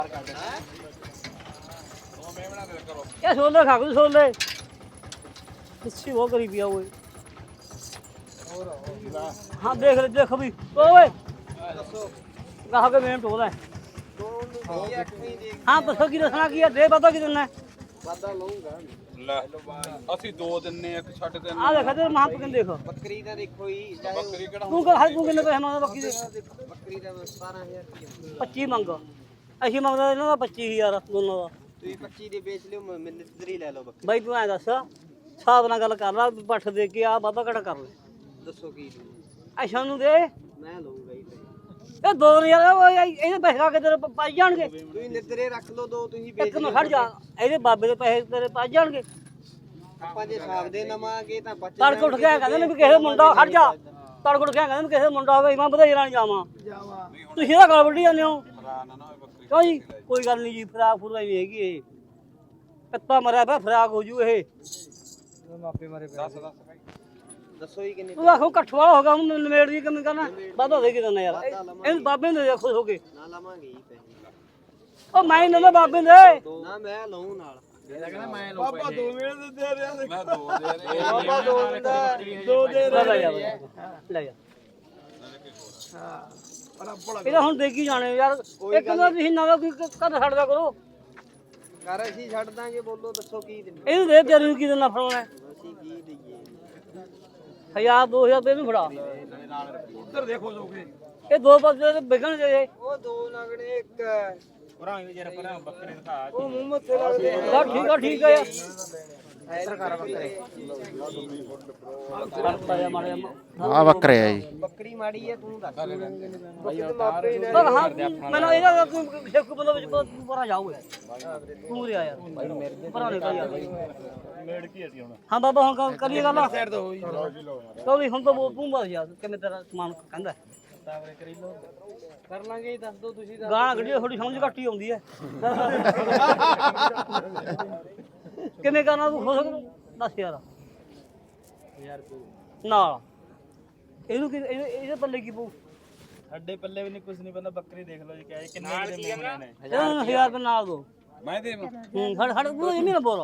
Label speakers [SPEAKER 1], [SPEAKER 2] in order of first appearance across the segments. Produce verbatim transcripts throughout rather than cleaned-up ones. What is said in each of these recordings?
[SPEAKER 1] ਇਹ ਛੋਲੇ ਖਾ ਕੋ ਛੋਲੇ ਪਿੱਛੇ ਉਹ ਕਰੀ ਪਿਆ ਓਏ ਹਾਂ ਦੇਖ ਲੈ ਦੇਖ ਵੀ ਓਏ ਕਹਾ ਕੇ ਮੈਂ ਟੋਦਾ ਹਾਂ ਦੱਸੋ ਕੀ ਦੱਸਣਾ ਕੀ ਹੈ ਦੇ ਪਤਾ ਕੀ ਦਿੰਨਾ
[SPEAKER 2] ਵਾਦਾ ਲਊਂਗਾ
[SPEAKER 3] ਲੈ ਅਸੀਂ ਦੋ ਦਿੰਨੇ ਇੱਕ ਛੱਡ ਦਿੰਨੇ
[SPEAKER 1] ਆ ਦੇਖ ਤੇ ਮਾਂ ਪਕਨ ਦੇਖ
[SPEAKER 2] ਬੱਕਰੀ ਦਾ ਦੇਖੋ ਜੀ
[SPEAKER 3] ਬੱਕਰੀ ਕਿਹੜਾ
[SPEAKER 1] ਤੂੰ ਕਹ ਤੂੰ ਕਿੰਨੇ ਪੈਸੇ ਮੰਗਦਾ ਬੱਕੀ ਦੇ
[SPEAKER 2] ਬੱਕਰੀ ਦਾ ਸਤਾਰਾਂ ਹਜ਼ਾਰ ਰੁਪਏ
[SPEAKER 1] ਪੱਚੀ ਮੰਗ ਅਸੀਂ ਮੰਗਦਾ ਇਹਨਾਂ ਦਾ ਪੱਚੀ ਹਜ਼ਾਰ ਦੋਨੋਂ ਦਾ
[SPEAKER 2] ਤੁਸੀਂ ਪੱਚੀ ਦੇ ਵੇਚ ਲਿਓ ਮੈਨੂੰ ਨਿੱਤਰੀ ਲੈ ਲਓ ਬੱਕਰੀ
[SPEAKER 1] ਬਾਈ ਤੂੰ ਐ ਦੱਸ ਹਿਸਾਬ ਨਾਲ ਗੱਲ ਕਰ ਲਾ ਪੱਠ ਦੇ ਕੇ ਆ ਵਾਧਾ ਘਟਾ ਕਰ ਲੈ
[SPEAKER 2] ਦੱਸੋ ਕੀ ਲਊ?
[SPEAKER 1] ਐਸ਼ਾ ਨੂੰ ਦੇ
[SPEAKER 2] ਮੈਂ ਲਊਂਗਾ ਜੀ
[SPEAKER 1] ਇਹ ਦੋ ਹਜ਼ਾਰ ਇਹਦੇ ਪੈਸੇ ਖਾ ਕੇ ਤੇਰੇ ਪਾਈ ਜਾਣਗੇ
[SPEAKER 2] ਤੁਸੀਂ ਨਿੱਤਰੇ ਰੱਖ ਲਓ ਦੋ ਤੁਸੀਂ
[SPEAKER 1] ਇੱਕ
[SPEAKER 2] ਵੇਚ
[SPEAKER 1] ਨੂੰ ਖੜ ਜਾ ਇਹਦੇ ਬਾਬੇ ਦੇ ਪੈਸੇ ਤੇਰੇ ਪਾਈ ਜਾਣਗੇ
[SPEAKER 2] ਆਪਾਂ ਜੇ ਹਿਸਾਬ ਦੇ ਨਵਾਂਗੇ ਤਾਂ ਬਚ
[SPEAKER 1] ਤੜਕ ਉੱਠ ਗਿਆ ਕਹਿੰਦੇ ਨੇ ਵੀ ਕਿਸੇ ਮੁੰਡਾ ਖੜ ਜਾ ਤੜਕ ਉੱਠ ਗਿਆ ਕਹਿੰਦੇ ਨੇ ਕਿਸੇ ਮੁੰਡਾ ਹੋਵੇ ਮੈਂ ਵਧਾਈ ਲੈਣ ਜਾਵਾਂ
[SPEAKER 2] ਜਾਵਾ
[SPEAKER 1] ਤੁਸੀਂ ਇਹਦਾ ਗਲ ਵੱਢੀ ਜਾਂਦੇ ਹੋ
[SPEAKER 3] ਫਰਾ ਨਾ ਨਾ ਹੋਏ ਬੱਕਰੀ
[SPEAKER 1] ਕਿਉਂ ਜੀ ਕੋਈ ਗੱਲ ਨਹੀਂ ਜੀ ਫਰਾਕ ਫੁਰਾ ਨਹੀਂ ਹੈਗੀ ਇਹ ਕੱਤਾ ਮਰਿਆ ਪਿਆ ਫਰਾਕ ਹੋ ਜੂ ਇਹ
[SPEAKER 2] ਮਾਪੇ ਮਾਰੇ
[SPEAKER 3] ਦੱਸ ਦੱਸ ਭਾਈ
[SPEAKER 2] ਦੱਸੋ ਜੀ ਕਿੰਨੇ
[SPEAKER 1] ਤੂੰ ਆਖੋ ਇਕੱਠ ਵਾਲਾ ਹੋ ਗਿਆ ਹੁਣ ਨਵੇੜ ਦੀ ਕਿਵੇਂ ਕਰਨਾ ਵਾਧਾ ਦੇ ਕੇ ਦਿੰਦਾ ਯਾਰ ਇਹਨੂੰ ਬਾਬੇ ਨੂੰ ਦੇ ਖੁਸ਼ ਹੋ ਕੇ
[SPEAKER 2] ਨਾ ਲਾਵਾਂਗੇ ਜੀ ਪੈਸੇ
[SPEAKER 1] ਉਹ ਮੈਂ ਇਹਨਾਂ ਦੇ ਬਾਬੇ ਦੇ
[SPEAKER 2] ਨਾ ਮੈਂ ਲਊਂ ਨਾਲ
[SPEAKER 3] ਬਾਬਾ ਦੋ ਵੇਲੇ ਦੇ ਦੇ ਰਿਹਾ ਮੈਂ ਦੋ ਦੇ ਰਿਹਾ
[SPEAKER 2] ਬਾਬਾ ਦੋ ਦਿੰਦਾ
[SPEAKER 3] ਦੋ ਦੇ
[SPEAKER 1] ਲੈ ਲੈ ਜਾ ਲੈ ਜਾ ਇਹਦਾ ਹੁਣ ਦੇਖੀ ਜਾਣੇ ਯਾਰ ਇੱਕ ਨਾ ਤੁਸੀਂ ਨਾ ਕੋਈ ਕਦ ਛੱਡਦਾ ਕਰੋ
[SPEAKER 2] ਕਰ ਅਸੀਂ ਛੱਡ ਦਾਂਗੇ ਬੋਲੋ ਦੱਸੋ ਕੀ ਦਿੰਦੇ
[SPEAKER 1] ਇਹਨੂੰ ਦੇ ਤੇਰੇ ਨੂੰ ਕੀ ਦੇਣਾ ਫੜਾਉਣਾ
[SPEAKER 2] ਅਸੀਂ ਕੀ ਦਈਏ
[SPEAKER 1] ਹਜ਼ਾਰ ਦੋ ਹਜ਼ਾਰ ਤੇ ਇਹਨੂੰ ਫੜਾ
[SPEAKER 3] ਉੱਧਰ ਦੇਖੋ ਲੋਗੇ
[SPEAKER 1] ਇਹ ਦੋ ਪਾਸੇ ਵਿਕਣ ਜੇ
[SPEAKER 2] ਉਹ ਦੋ ਲੱਗਣੇ ਇੱਕ
[SPEAKER 3] ਪਰਾਂ ਵੀ ਜਰਾ ਪਰਾਂ ਬੱਕਰੇ ਦਿਖਾ
[SPEAKER 2] ਉਹ ਮੂੰਹ ਮੱਥੇ ਲੱਗਦੇ
[SPEAKER 1] ਬਸ ਠੀਕ ਆ ਠੀਕ ਆ ਯਾਰ
[SPEAKER 2] ਇੱਧਰ ਕਰ ਬੱਕਰੇ
[SPEAKER 1] ਕਰਤਾ ਜਾ ਮਾਰਿਆ
[SPEAKER 4] ਆ ਬੱਕਰੇ ਆ ਜੀ
[SPEAKER 2] ਬੱਕਰੀ ਮਾੜੀ ਹੈ ਤੂੰ ਦੱਸ ਬੱਕਰੀ ਤੇ ਮਾਪੇ ਹੀ ਲੈ
[SPEAKER 1] ਪਰ ਹਾਂ ਮੈਨੂੰ ਇਹਦਾ ਤੂੰ ਸ਼ੇਖੂ ਬੰਦਾ ਵਿੱਚ ਪਰਾਂ ਜਾਓ ਤੂੰ ਰਿਆ ਯਾਰ ਪਰਾਂ ਨਹੀਂ ਯਾਰ
[SPEAKER 3] ਮੇੜ ਕੀ ਅਸੀਂ ਹੁਣ
[SPEAKER 1] ਹਾਂ ਬਾਬਾ ਹੁਣ ਗੱਲ ਕਰੀਏ ਗੱਲ ਸਾਈਡ ਤੋਂ ਹੋਈ ਚਲੋ ਹੁਣ ਤਾਂ ਤੂੰ ਬਸ ਯਾਰ ਕਿਵੇਂ ਤੇਰਾ ਸਮਾਨ ਕਹਿੰਦਾ
[SPEAKER 2] ਤਾਵਰੇ ਕਰੀ ਲੋ ਕਰ ਲਾਂਗੇ ਦੱਸ ਦੋ ਤੁਸੀਂ
[SPEAKER 1] ਗਾਣਾ ਗੱਡੀ ਥੋੜੀ ਸਮਝ ਘੱਟ ਹੀ ਆਉਂਦੀ ਹੈ ਕਿਵੇਂ ਕਰਨਾ ਤੂੰ ਖੁਸ਼ ਦੱਸ ਯਾਰ
[SPEAKER 2] ਯਾਰ
[SPEAKER 1] ਨਾਲ ਇਹਨੂੰ ਕੀ ਇਹਦੇ ਇਹਦੇ ਪੱਲੇ ਕੀ ਪਊ
[SPEAKER 3] ਸਾਡੇ ਪੱਲੇ ਵੀ ਨਹੀਂ ਕੁਝ ਨਹੀਂ ਬੰਦਾ ਬੱਕਰੀ ਦੇਖ ਲਓ ਜੀ ਕਿਹਾ ਕਿੰਨੇ ਕਿੰਨੇ ਮੂੰਹ ਨੇ
[SPEAKER 1] ਇਹਨੂੰ ਹਜ਼ਾਰ ਰੁਪਏ ਨਾਲ ਦੋ
[SPEAKER 3] ਮੈਂ ਦੇਵਾਂ
[SPEAKER 1] ਹੂੰ ਫੜ ਫੜ ਤੂੰ ਇਹ ਨਹੀਂ ਨਾ ਬੋਲ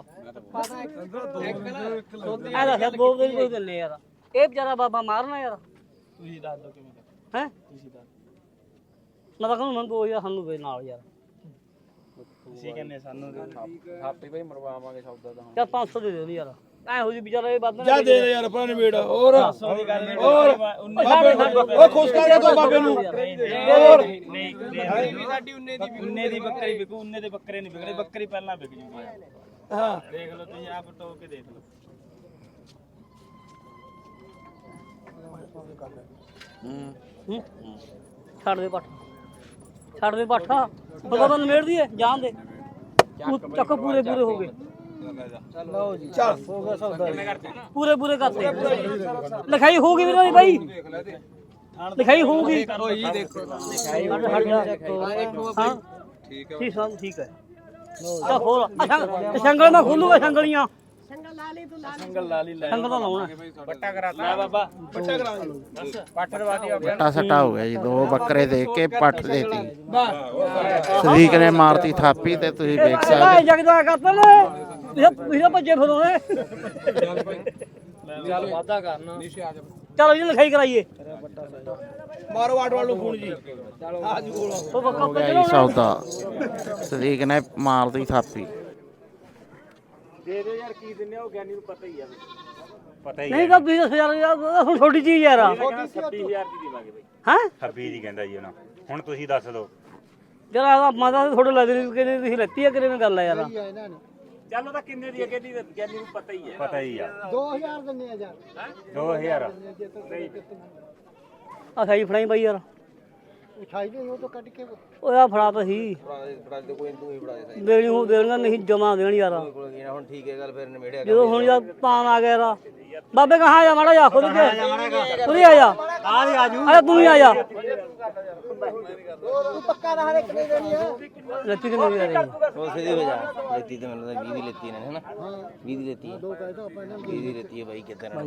[SPEAKER 1] ਐ ਦੱਸ ਦੋ ਦਿਨ ਕੋਈ ਦਿਨ ਨਹੀਂ ਯਾਰ ਇਹ ਵਿਚਾਰਾ ਬਾਬਾ ਮਾਰਨਾ ਯਾਰ
[SPEAKER 3] ਤੁਸੀਂ ਦੱਸ ਦਿਓ ਕਿਵੇਂ
[SPEAKER 1] ਹੈ
[SPEAKER 3] ਤੁਸੀਂ ਦੱਸ
[SPEAKER 1] ਮੈਂ ਤਾਂ ਕਹਿੰਦਾ ਮੈਨੂੰ ਦੋ ਹਜ਼ਾਰ ਸਾਨੂੰ ਦੇ ਨਾਲ ਯਾਰ
[SPEAKER 3] ਤੁਸੀਂ ਕਹਿੰਦੇ ਸਾਨੂੰ ਥਾਪੀ ਭਾਈ ਮਰਵਾਵਾਂਗੇ ਸੌਦਾ ਤਾਂ
[SPEAKER 1] ਚੱਲ ਪੰਜ ਸੌ ਦੇ ਦੇ ਯਾਰ ਐ ਹੋ ਜੀ ਵਿਚਾਰਾ ਇਹ ਬਾਬੇ
[SPEAKER 3] ਜਾ ਦੇ ਯਾਰ ਆਪਣਾ ਨਿਬੇੜ ਹੋਰ
[SPEAKER 1] ਹੋਰ
[SPEAKER 3] ਉਹ ਖੁਸ਼ ਕਰ ਤੂੰ ਬਾਬੇ ਨੂੰ
[SPEAKER 1] ਹੋਰ
[SPEAKER 3] ਨਹੀਂ ਵੀ ਸਾਡੀ ਉਨੇ ਦੀ ਉਨੇ ਦੀ ਬੱਕਰੀ ਵਿਕੂ ਉਨੇ ਦੇ ਬੱਕਰੇ ਨਹੀਂ ਵਿਕਣੇ ਬੱਕਰੀ ਪਹਿਲਾਂ ਵਿਕ ਜੂਗੀ ਹਾਂ ਦੇਖ ਲਓ ਤੁਸੀਂ ਆਪ ਟੋਕ ਕੇ ਦੇਖ ਲਓ
[SPEAKER 1] ਹੂੰ ਛੱਡ ਦੇ ਪੱਠ ਛੱਡ ਦੇ ਪੱਠ ਬਗਾ ਬੰਦ ਮੇੜ ਦੀਏ ਜਾਣ ਦੇ ਚੱਕ ਪੂਰੇ ਪੂਰੇ ਹੋ ਗਏ
[SPEAKER 2] ਲਓ ਜੀ
[SPEAKER 3] ਚੱਲ
[SPEAKER 2] ਹੋ ਗਿਆ ਸੌਦਾ
[SPEAKER 1] ਪੂਰੇ ਪੂਰੇ ਕਰਤੇ ਲਿਖਾਈ ਹੋਊਗੀ ਵੀਰੇ ਬਾਈ ਲਿਖਾਈ ਹੋਊਗੀ
[SPEAKER 3] ਜੀ ਦੇਖੋ
[SPEAKER 2] ਲਿਖਾਈ
[SPEAKER 1] ਹਟ ਜਾ ਹਾਂ
[SPEAKER 3] ਠੀਕ ਹੈ
[SPEAKER 1] ਠੀਕ ਹੈ ਠੀਕ ਹੈ ਤਾਂ ਖੋਲ ਅੱਛਾ ਸੰਗਲ ਮੈਂ ਖੋਲੂਗਾ ਸੰਗਲੀਆਂ
[SPEAKER 3] ਸੰਗਲ ਲਾਲੀ ਲੈ
[SPEAKER 1] ਸੰਗਲ ਤਾਂ ਲਾਉਣਾ
[SPEAKER 3] ਬੱਟਾ ਕਰਾਤਾ ਲੈ ਬਾਬਾ ਬੱਟਾ ਕਰਾ ਦੱਸ ਪੱਠ ਰਵਾ ਦੀ
[SPEAKER 4] ਬੱਟਾ ਸੱਟਾ ਹੋ ਗਿਆ ਜੀ ਦੋ ਬੱਕਰੇ ਦੇ ਕੇ ਪੱਟ ਦੇਤੀ ਸਦੀਕ ਨੇ ਮਾਰਤੀ ਥਾਪੀ ਤੇ ਤੁਸੀਂ ਵੇਖ
[SPEAKER 1] ਇਹ
[SPEAKER 4] ਸਕਦੇ
[SPEAKER 1] ਜਗਦਾ ਕਰਤਾ ਨੇ ਤੁਸੀਂ ਤੁਸੀਂ ਭੱਜੇ ਫਿਰੋਗੇ
[SPEAKER 2] ਚੱਲ ਵਾਦਾ ਕਰਨਾ
[SPEAKER 1] ਚਲੋ ਜੀ ਲਿਖਾਈ ਕਰਾਈਏ
[SPEAKER 3] ਮਾਰੋ ਆਟ ਵਾਲੂ ਫੋਨ ਜੀ
[SPEAKER 1] ਉਹ ਬੱਕਾ
[SPEAKER 4] ਹੋ ਗਿਆ ਜੀ ਸੌਦਾ ਸਦੀਕ ਨੇ ਮਾਰਤੀ ਥਾਪੀ
[SPEAKER 3] ਦੇ ਦੇ ਯਾਰ ਕੀ ਦਿੰਨੇ ਉਹ ਗਿਆਨੀ ਨੂੰ ਪਤਾ ਹੀ ਆ ਪਤਾ ਹੀ
[SPEAKER 1] ਨਹੀਂ ਤਾਂ ਵੀਹ ਹਜ਼ਾਰ ਯਾਰ ਹੁਣ ਛੋਟੀ ਚੀਜ਼ ਯਾਰ
[SPEAKER 3] ਛੱਬੀ ਹਜ਼ਾਰ ਦੀ ਦੇਵਾਂਗੇ ਬਈ
[SPEAKER 1] ਹੈ
[SPEAKER 5] ਛੱਬੀ ਦੀ ਕਹਿੰਦਾ ਜੀ ਉਹਨਾਂ ਹੁਣ ਤੁਸੀਂ ਦੱਸ ਦਿਓ
[SPEAKER 1] ਜਰਾ ਮਾਤਾ ਥੋੜਾ ਲੱਗ ਰਹੀ ਕਿ ਤੁਸੀਂ ਲੈਤੀ ਆ ਕਿਵੇਂ ਗੱਲ ਆ ਯਾਰ
[SPEAKER 3] ਚੱਲ ਤਾਂ ਕਿੰਨੇ ਦੀ ਅੱਗੇ ਦੀ ਗਿਆਨੀ ਨੂੰ ਪਤਾ ਹੀ ਹੈ
[SPEAKER 5] ਪਤਾ ਹੀ ਆ
[SPEAKER 2] ਦੋ ਹਜ਼ਾਰ ਦਿੰਨੇ ਆ ਯਾਰ
[SPEAKER 5] ਦੋ ਹਜ਼ਾਰ
[SPEAKER 1] ਆ ਖਾਈ ਫੜਾਈ ਬਾਈ ਯਾਰ
[SPEAKER 2] ਉਠਾਈ ਦੇ ਉਹ ਤੋਂ ਕੱਢ ਕੇ
[SPEAKER 1] ਓਏ ਆ ਫੜਾ ਤਾਂ ਸੀ
[SPEAKER 2] ਫੜਾ ਦੇ ਕੋਈ ਤੂੰ ਹੀ ਫੜਾ ਦੇ
[SPEAKER 1] ਦੇਣੀ ਹੋ ਦੇਣੀਆਂ ਨਹੀਂ ਜਮਾ ਦੇਣ ਯਾਰ
[SPEAKER 2] ਕੋਲ ਗਿਆ ਹੁਣ ਠੀਕ ਹੈ ਗੱਲ ਫਿਰ ਨਿਮੇੜਿਆ
[SPEAKER 1] ਜਦੋਂ ਹੁਣ ਯਾਰ ਤਾਂ ਆ ਗਿਆ ਯਾਰ ਬਾਬੇ ਕਹਾਂ ਆ ਜਾ ਮਾੜਾ ਜਾ ਖੁਦ ਕੇ ਖੁਦ ਹੀ ਆ ਜਾ ਆ ਵੀ ਆਜੂ ਆ ਤੂੰ ਵੀ ਆ ਜਾ
[SPEAKER 2] ਤੂੰ ਪੱਕਾ ਦਾ ਹਰੇ ਕਿੰਨੇ ਦੇਣੀ ਆ
[SPEAKER 1] ਲੱਤੀ ਕਿੰਨੇ ਦੀ ਆ ਰਹੀ
[SPEAKER 2] ਉਹ ਸਿੱਧੀ ਹੋ ਜਾ ਲੈਤੀ ਤੇ ਮੈਨੂੰ ਤਾਂ ਵੀਹ ਦੀ ਲੈਤੀ ਨੇ ਹਨਾ ਵੀਹ ਦੀ ਲੈਤੀ ਹੈ ਦੋ ਕਹਿ ਦੋ ਆਪਾਂ ਇਹਨਾਂ ਵੀਹ ਦੀ ਲੈਤੀ ਹੈ ਬਾਈ ਕਿੱਦਾਂ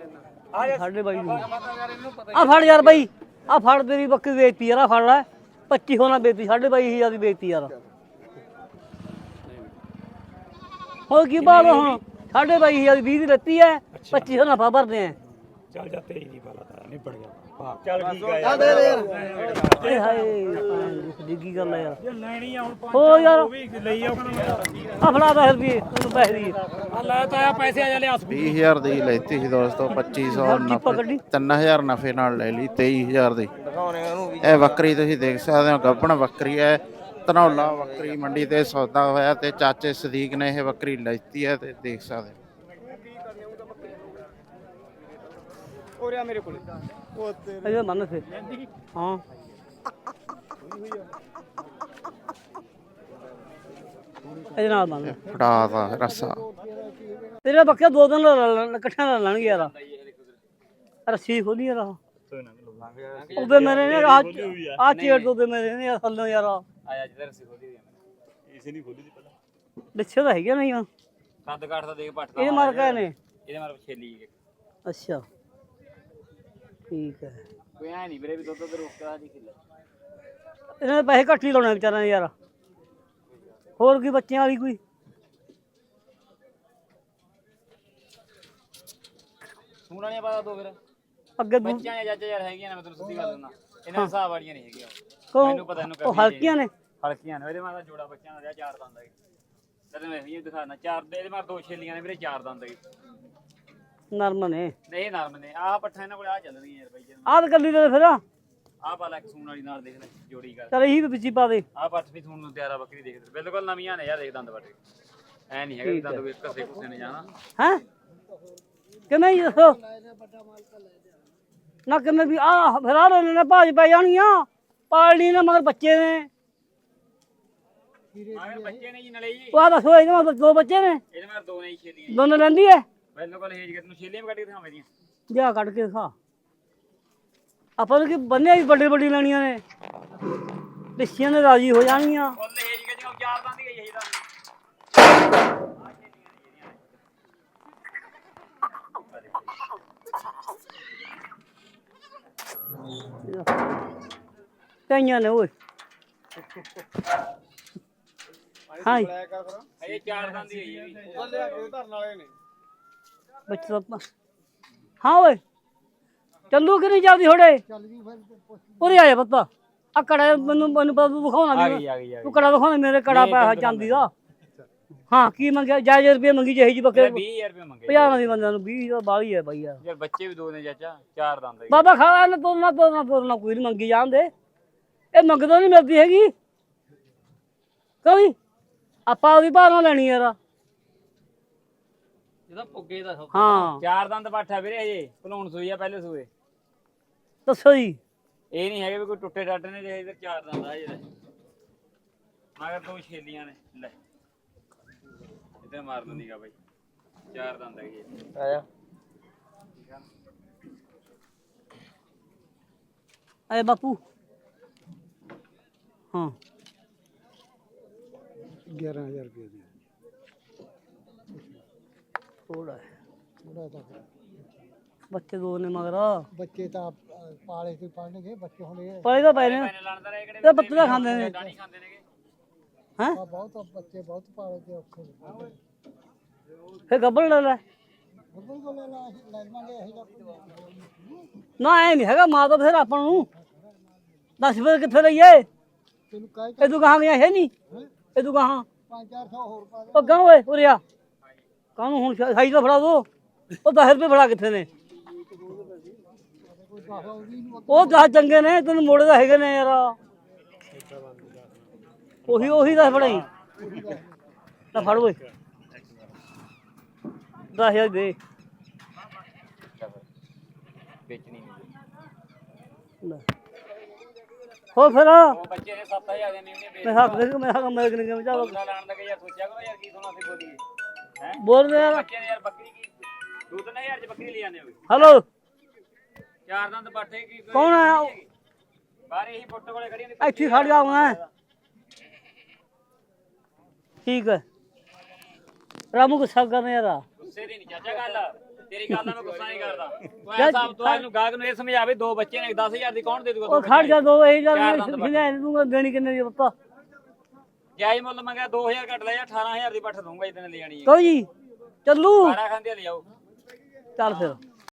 [SPEAKER 1] ਸਾਡੇ ਬਾਈ ਨੂੰ ਆ ਫੜ ਯਾਰ ਬਾਈ ਆ ਫੜ ਤੇਰੀ ਬੱਕਰੀ ਵੇਚਤੀ ਯਾਰ ਆ ਫੜ ਲੈ ਪੱਚੀ ਹੋਣਾ ਬੇਤੀ ਸਾਢੇ ਬਾਈ ਹਜ਼ਾਰ ਦੀ ਬੇਤੀ ਯਾਰ ਹੋਰ ਕੀ ਬਾਤ ਹੁਣ ਸਾਢੇ ਬਾਈ ਹਜ਼ਾਰ ਦੀ ਵੀਹ ਦੀ ਲੱਤੀ ਹੈ ਪੱਚੀ ਸੌ ਨਫਾ ਭਰਦੇ ਆ
[SPEAKER 3] ਚੱਲ ਜਾ ਤੇਰੀ ਨਹੀਂ ਪਾਲਾ ਤਾਂ ਨਿਬੜ ਗਿਆ ਚੱਲ ਠੀਕ ਆ
[SPEAKER 2] ਆ ਦੇ ਦੇ ਯਾਰ
[SPEAKER 1] ਏ ਹਾਏ ਡਿੱਗੀ ਗੱਲ ਆ ਯਾਰ
[SPEAKER 3] ਜੇ ਲੈਣੀ ਆ ਹੁਣ ਪੰਜ
[SPEAKER 1] ਹੋ ਯਾਰ
[SPEAKER 3] ਉਹ ਵੀ ਲਈ ਆਉਣਾ
[SPEAKER 1] ਆ ਫੜਾ ਦਸ ਰੁਪਏ ਤੈਨੂੰ ਪੈਸੇ ਦੀ
[SPEAKER 3] ਆ ਲੈ ਤਾਂ ਆ ਪੈਸੇ ਆ ਜਾ ਲਿਆ
[SPEAKER 4] ਵੀਹ ਹਜ਼ਾਰ ਦੀ ਲੈਤੀ ਸੀ ਦੋਸਤੋ ਪੱਚੀ ਸੌ ਨਫੇ ਤਿੰਨ ਹਜ਼ਾਰ ਨਫੇ ਨਾਲ ਲੈ ਲਈ ਤੇਈ ਹਜ਼ਾਰ ਦੀ
[SPEAKER 2] ਦਿਖਾਉਣੇ ਉਹਨੂੰ ਵੀ
[SPEAKER 4] ਇਹ ਬੱਕਰੀ ਤੁਸੀਂ ਦੇਖ ਸਕਦੇ ਹੋ ਗੱਭਣ ਬੱਕਰੀ ਹੈ ਧਨੌਲਾ ਬੱਕਰੀ ਮੰਡੀ ਤੇ ਸੌਦਾ ਹੋਇਆ ਤੇ ਚਾਚੇ ਸਦੀਕ ਨੇ ਇਹ ਬੱਕਰੀ ਲੈਤੀ ਹੈ ਤੇ ਦੇਖ ਸਕਦੇ ਹੋ।
[SPEAKER 3] ਉਰਿਆ ਮੇਰੇ ਕੋਲੇ ਉਹ ਤੇਰੇ
[SPEAKER 1] ਇਹ ਮੰਨ ਫੇ ਹਾਂ ਇਹਦੇ ਨਾਲ ਮੰਨ
[SPEAKER 4] ਫੜਾ ਦਾ ਰਸਾ
[SPEAKER 1] ਤੇਰੇ ਬੱਕੇ ਦੋ ਦਿਨ ਇਕੱਠਿਆਂ ਨਾਲ ਲੈਣਗੇ ਯਾਰ ਰੱਸੀ ਖੋਲੀ ਯਾਰ ਉਹਦੇ ਮੇਰੇ ਨੇ ਆ ਆ ਚੇੜ ਤੋਂ ਮੇਰੇ ਨੇ ਥੱਲੋਂ ਯਾਰ
[SPEAKER 3] ਆਇਆ ਜਿੱਧਰ ਰੱਸੀ ਖੋਲੀ ਦੀ ਇਸੇ ਨਹੀਂ ਖੋਲੀ ਦੀ ਪਹਿਲਾਂ
[SPEAKER 1] ਦੱਸਿਆ ਤਾਂ ਹੈਗਾ ਨਹੀਂ
[SPEAKER 3] ਕੰਦ ਕਾਠ ਦਾ ਦੇਖ ਪੱਟ
[SPEAKER 1] ਇਹਦੇ ਮਾਰ ਕੇ ਨੇ
[SPEAKER 3] ਇਹਦੇ ਮਾਰ ਛੇਲੀ
[SPEAKER 1] ਅੱਛਾ ਠੀਕ ਹੈ
[SPEAKER 3] ਕੋਈ ਐ ਨਹੀਂ ਵੀਰੇ ਵੀ ਦੁੱਧ ਦੁੱਧ ਰੋਕਦਾ ਜੀ ਕਿੱਲਾ
[SPEAKER 1] ਇਹਨਾਂ ਦੇ ਪੈਸੇ ਘੱਟ ਹੀ ਲਾਉਣੇ ਵਿਚਾਰਿਆਂ ਨੇ ਯਾਰ ਹੋਰ ਕੀ ਬੱਚਿਆਂ ਵਾਲੀ ਕੋਈ
[SPEAKER 3] ਸੂਣਾ ਨਹੀਂ ਪਤਾ ਦੋ ਫਿਰ
[SPEAKER 1] ਅੱਗੇ ਦੂ-
[SPEAKER 3] ਬੱਚਿਆਂ ਜਾਂ ਜੱਜ ਯਾਰ ਹੈਗੀਆਂ ਨੇ ਮੈਂ ਤੈਨੂੰ ਸਿੱਧੀ ਗੱਲ ਦਿੰਦਾ ਇਹਨਾਂ ਦੇ ਹਿਸਾਬ ਵਾਲੀਆਂ ਨਹੀਂ ਹੈਗੀਆਂ
[SPEAKER 1] ਕੌਣ?
[SPEAKER 3] ਮੈਨੂੰ ਪਤਾ ਇਹਨੂੰ
[SPEAKER 1] ਉਹ ਹਲਕੀਆਂ ਨੇ
[SPEAKER 3] ਹਲਕੀਆਂ ਨੇ ਇਹਦੇ ਮਾਰ ਜੋੜਾ ਬੱਚਿਆਂ ਦਾ ਚਾਰ ਦੰਦ ਹੈ ਤੈਨੂੰ ਮੈਂ ਇਹ ਦਿਖਾਣਾ ਚਾਰ ਦੇ ਇਹਦੇ ਮਾਰ ਦੋ ਛੇਲੀਆਂ ਨੇ ਵੀਰੇ ਚਾਰ ਦੰਦ ਹੈ
[SPEAKER 1] ਨਰਮ ਨੇ
[SPEAKER 3] ਨਹੀਂ ਨਰਮ ਨੇ ਆਹ ਪੱਠਾ ਇਹਨਾਂ ਕੋਲ ਆ ਚੱਲਣਗੀਆਂ ਯਾਰ ਬਾਈ ਜੀ
[SPEAKER 1] ਆਹ ਤਾਂ ਕੱਲੀ ਦੇ ਫਿਰ
[SPEAKER 3] ਆਹ ਪਾ ਲੈ ਇੱਕ ਸੂਣ ਵਾਲੀ ਨਾਲ ਦੇਖ ਲੈ ਜੋੜੀ ਕਰ
[SPEAKER 1] ਚਲ ਇਹੀ ਵੀ ਵਿੱਚ ਹੀ ਪਾ ਦੇ
[SPEAKER 3] ਆਹ ਪੱਠ ਵੀ ਸੂਣ ਨੂੰ ਤਿਆਰਾ ਬੱਕਰੀ ਦੇਖ ਬਿਲਕੁਲ ਨਵੀਆਂ ਨੇ ਯਾਰ ਦੇਖ ਦੰਦ ਵੱਡੇ ਐ ਨਹੀਂ ਹੈਗਾ ਵੀ ਦੰਦ ਕੋਈ ਘਸੇ ਕੁਸੇ ਨੇ ਜਾਣਾ
[SPEAKER 1] ਹੈ ਕਿਵੇਂ ਜੀ ਦੱਸੋ ਨਾ ਕਿਵੇਂ ਵੀ ਆ ਫਿਰ ਆ ਰਹੇ ਨੇ ਭਾਜ ਪੈ ਜਾਣੀਆਂ ਪਾਲਣੀ ਨੇ ਮਗਰ ਬੱਚੇ ਨੇ
[SPEAKER 3] ਮਗਰ ਬੱਚੇ ਨੇ ਜੀ ਨਲੇ ਜੀ
[SPEAKER 1] ਉਹ ਆ ਦੱਸੋ ਇਹਦੇ ਮਗਰ ਦੋ ਬੱਚੇ ਨੇ
[SPEAKER 3] ਇਹਦੇ ਮਾਰ ਦੋ ਨਹੀਂ ਛੇਲੀਆਂ
[SPEAKER 1] ਦੋਨੋਂ ਲੈਂਦੀ ਐ
[SPEAKER 3] ਬਿਲਕੁਲ ਹੇਜ ਕੇ ਤੈਨੂੰ ਛੇਲੀਆਂ ਵੀ ਕੱਢ ਕੇ ਦਿਖਾਵਾਂ ਦੀਆਂ
[SPEAKER 1] ਜਾ ਕੱਢ ਕੇ ਦਿਖਾ ਆਪਾਂ ਨੂੰ ਕੀ ਬੰਨੇ ਵੀ ਵੱਡੇ ਵੱਡੀ ਲੈਣੀਆਂ ਨੇ ਲਿੱਸੀਆਂ ਨੇ ਰਾਜੀ ਹੋ ਜਾਣਗੀਆਂ
[SPEAKER 3] ਫੁੱਲ ਹੇਜ ਕੇ ਜਿਵੇਂ ਚਾਰ ਦੰਦ ਹੀ ਗਈ ਇਹਦਾ
[SPEAKER 1] ਕਈਆਂ ਨੇ ਓਏ ਹਾਂ
[SPEAKER 3] ਇਹ ਚਾਰ ਦੰਦ ਹੀ ਗਈ
[SPEAKER 1] ਬੱਚਾ ਤਾਂ- ਹਾਂ ਓਏ ਚੱਲੂ ਕਿ ਨਹੀਂ ਜਾਂਦੀ ਥੋੜੇ ਉਰੇ ਆਇਆ ਪੱਤਾ ਆ ਕੜਾ ਮੈਨੂੰ ਮੈਨੂੰ ਪਤਾ ਤੂੰ ਦਿਖਾਉਣਾ
[SPEAKER 3] ਆ
[SPEAKER 1] ਵੀ
[SPEAKER 3] ਗਈ ਆ ਗਈ ਆ
[SPEAKER 1] ਤੂੰ ਕੜਾ ਦਿਖਾਉਣਾ ਮੇਰੇ ਕੜਾ ਪਿਆ ਚਾਂਦੀ ਦਾ ਹਾਂ ਕੀ ਮੰਗਿਆ ਜਾਇਜ਼ ਰੁਪਏ ਮੰਗੀ ਜਿਹੀ ਜੀ ਬੱਕਰੇ
[SPEAKER 3] ਵੀਹ ਹਜ਼ਾਰ ਰੁਪਏ ਮੰਗੇ
[SPEAKER 1] ਪੰਜਾਹ ਦੀ ਬੰਦਿਆਂ ਨੂੰ ਵੀਹ ਦਾ ਬਾਲੀ ਹੈ ਬਾਈ ਯਾਰ
[SPEAKER 3] ਯਾਰ ਬੱਚੇ ਵੀ ਦੋ ਨੇ ਚਾਚਾ ਚਾਰ ਦੰਦ ਹੈ
[SPEAKER 1] ਬਾਬਾ ਖਾ ਨਾ ਤੋਰਨਾ ਤੋਰਨਾ ਤੋਰਨਾ ਕੋਈ ਨਹੀਂ ਮੰਗੀ ਜਾਂਦੇ ਇਹ ਮੰਗਦਾ ਨਹੀਂ ਮਿਲਦੀ ਹੈਗੀ ਕੋਈ ਆਪਾਂ ਉਹਦੀ ਭਾਅ ਨਾਲ ਲੈਣੀ ਯਾਰ
[SPEAKER 3] ਇਹਦਾ ਪੁੱਗੇ ਦਾ
[SPEAKER 1] ਹਾਂ
[SPEAKER 3] ਚਾਰ ਦੰਦ ਪਾਠਾ ਵੀਰੇ ਹਜੇ ਭਲੂਣ ਸੂਈ ਆ ਪਹਿਲੇ ਸੂਏ
[SPEAKER 1] ਦੱਸੋ ਜੀ
[SPEAKER 3] ਇਹ ਨਹੀਂ ਹੈਗੇ ਵੀ ਕੋਈ ਟੁੱਟੇ ਟਾਟੇ ਨੇ ਜੇ ਇਧਰ ਚਾਰ ਦੰਦ ਆ ਜਿਹੜਾ ਮਗਰ ਦੋ ਛੇਲੀਆਂ ਨੇ ਲੈ ਇੱਧਰ ਮਾਰ ਦਿੰਦੀਗਾ ਬਾਈ ਚਾਰ ਦੰਦ ਹੈਗੇ
[SPEAKER 2] ਆਇਆ
[SPEAKER 1] ਅਰੇ ਬਾਪੂ ਹਾਂ
[SPEAKER 6] ਗਿਆਰਾਂ ਹਜ਼ਾਰ ਰੁਪਏ ਦੀ
[SPEAKER 1] ਥੋੜਾ
[SPEAKER 6] ਥੋੜਾ ਤਾਂ
[SPEAKER 1] ਬੱਚੇ ਦੋ ਨੇ ਮਗਰ
[SPEAKER 6] ਬੱਚੇ ਤਾਂ ਅਹ, ਪਾਲੇ ਤੇ ਪੜਨਗੇ ਬੱਚੇ ਹੁਣ ਇਹ
[SPEAKER 1] ਪਲੇ ਤਾਂ ਪੈ ਨੇ
[SPEAKER 3] ਪੈਨੇ ਲਾਣਦਾ ਰਹੇ ਕਿਹੜੇ
[SPEAKER 1] ਤੇ ਪੱਤੇ ਤਾਂ ਖਾਂਦੇ ਨੇ
[SPEAKER 3] ਨਹੀਂ ਖਾਂਦੇ ਨੇਗੇ
[SPEAKER 1] ਹੈ
[SPEAKER 6] ਆ ਬਹੁਤ ਬੱਚੇ ਬਹੁਤ ਪਾਲੇ ਤੇ ਔਖੇ ਨੇ
[SPEAKER 1] ਫੇ ਗੱਬੜ ਲੈ ਲੈ
[SPEAKER 6] ਬੱਬੂ ਕੋਲ ਲੈ ਲਾ ਅਸੀਂ ਲੈ ਲਵਾਂਗੇ ਅਸੀਂ ਤਾਂ
[SPEAKER 1] ਨਾ ਐ ਨਹੀਂ ਹੈਗਾ ਮਾਂ ਤਾਂ ਫਿਰ ਆਪਾਂ ਨੂੰ ਦੱਸ ਫਿਰ ਕਿੱਥੇ ਲਈਏ
[SPEAKER 6] ਤੈਨੂੰ ਕਹਿ
[SPEAKER 1] ਇਹ ਤੂੰ ਕਹਾਂ ਗਿਆ ਹੈ ਨਹੀਂ ਇਹ ਤੂੰ ਕਹਾਂ
[SPEAKER 6] ਪੰਜ ਚਾਰ ਸੌ ਹੋਰ ਪਾ ਦੇ
[SPEAKER 1] ਉਹ ਗਾਂ ਓਏ ਉਰੇ ਆ ਕਾਹਨੂੰ ਹੁਣ ਸਾਈ ਤਾਂ ਫੜਾ ਦੋ ਉਹ ਦਸ ਰੁਪਏ ਫੜਾ ਕਿੱਥੇ ਨੇ
[SPEAKER 6] ਕੋਈ ਦਸ ਉਹਦੀ ਨੂੰ
[SPEAKER 1] ਉਹ ਦਸ ਚੰਗੇ ਨੇ ਤੈਨੂੰ ਮੋੜੇ ਦਾ ਹੈਗੇ ਨੇ ਯਾਰ ਉਹੀ ਉਹੀ ਦਸ ਫੜਾਈ ਤਾਂ ਫੜ ਓਏ ਦਸ ਹਜ਼ਾਰ ਦੇ
[SPEAKER 3] ਵੇਚਣੀ ਨਹੀਂ
[SPEAKER 1] ਲੈ। ਹੋ ਫਿਰ
[SPEAKER 3] ਉਹ ਬੱਚੇ ਨੇ ਸੱਤ ਹਜ਼ਾਰ ਦੇ ਨਹੀਂ ਉਹਨੇ
[SPEAKER 1] ਮੈਂ ਹੱਕ ਦੇ ਮੈਂ ਹੱਕ ਮੈਂ ਕਿਨੇ ਕਿਵੇਂ ਚਾਹ
[SPEAKER 3] ਵੇਚਣਾ ਲਾਣ ਦਾ ਯਾਰ ਸੋਚਿਆ ਕਰੋ ਯਾਰ ਕੀ ਸੋਨਾ ਸੀ ਬੋਲੀਏ ਹੈ
[SPEAKER 1] ਬੋਲ ਯਾਰ
[SPEAKER 3] ਬੱਚੇ ਨੇ ਯਾਰ ਬੱਕਰੀ ਕੀ ਦੋ ਤਿੰਨ ਹਜ਼ਾਰ ਚ ਬੱਕਰੀ ਲੈ ਜਾਂਦੇ ਹੋਗੇ
[SPEAKER 1] ਹੈਲੋ
[SPEAKER 3] ਚਾਰ ਦੰਦ ਬਾਟੇ ਕੀ
[SPEAKER 1] ਕੌਣ ਆਇਆ
[SPEAKER 3] ਬਾਹਰ ਇਹੀ ਫੋਟੋ ਕੋਲੇ ਖੜੀ ਹੁੰਦੀ
[SPEAKER 1] ਇੱਥੇ ਖੜ ਜਾ ਮੈਂ ਠੀਕ ਹੈ ਰਾਮੂ ਗੁੱਸਾ ਕਰਨੇ ਯਾਰ
[SPEAKER 3] ਗੁੱਸੇ ਦੀ ਨਹੀਂ ਚਾਚਾ ਗੱਲ ਤੇਰੀ ਗੱਲ ਦਾ ਮੈਂ ਗੁੱਸਾ ਨਹੀਂ ਕਰਦਾ ਤੂੰ ਐ ਹਿਸਾਬ ਤੋਂ ਇਹਨੂੰ ਗਾਹਕ ਨੂੰ ਇਹ ਸਮਝਾਵੇ ਦੋ ਬੱਚੇ ਨੇ ਦਸ ਹਜ਼ਾਰ ਦੀ ਕੌਣ ਦੇ ਦੂਗਾ
[SPEAKER 1] ਉਹ ਖੜ ਜਾ ਦੋ ਇਹ ਗੱਲ ਨਹੀਂ ਦੂੰਗਾ ਦੇਣੀ ਕਿੰਨੇ ਦੀ ਪਤਾ
[SPEAKER 3] ਜਾਇਜ਼ ਮੁੱਲ ਮੰਗਿਆ ਦੋ ਹਜ਼ਾਰ ਘੱਟ ਲੈ ਜਾ ਅਠਾਰਾਂ ਹਜ਼ਾਰ ਦੀ ਪੱਠ ਦੂੰਗਾ ਇਤਨੇ ਲੈ ਜਾਣੀ ਹੈ
[SPEAKER 1] ਕੋਈ ਜੀ ਚੱਲੂ
[SPEAKER 3] ਬਾਰਾਂ ਖਾਂਦੇ ਲੈ ਜਾਓ
[SPEAKER 1] ਚੱਲ ਫਿਰ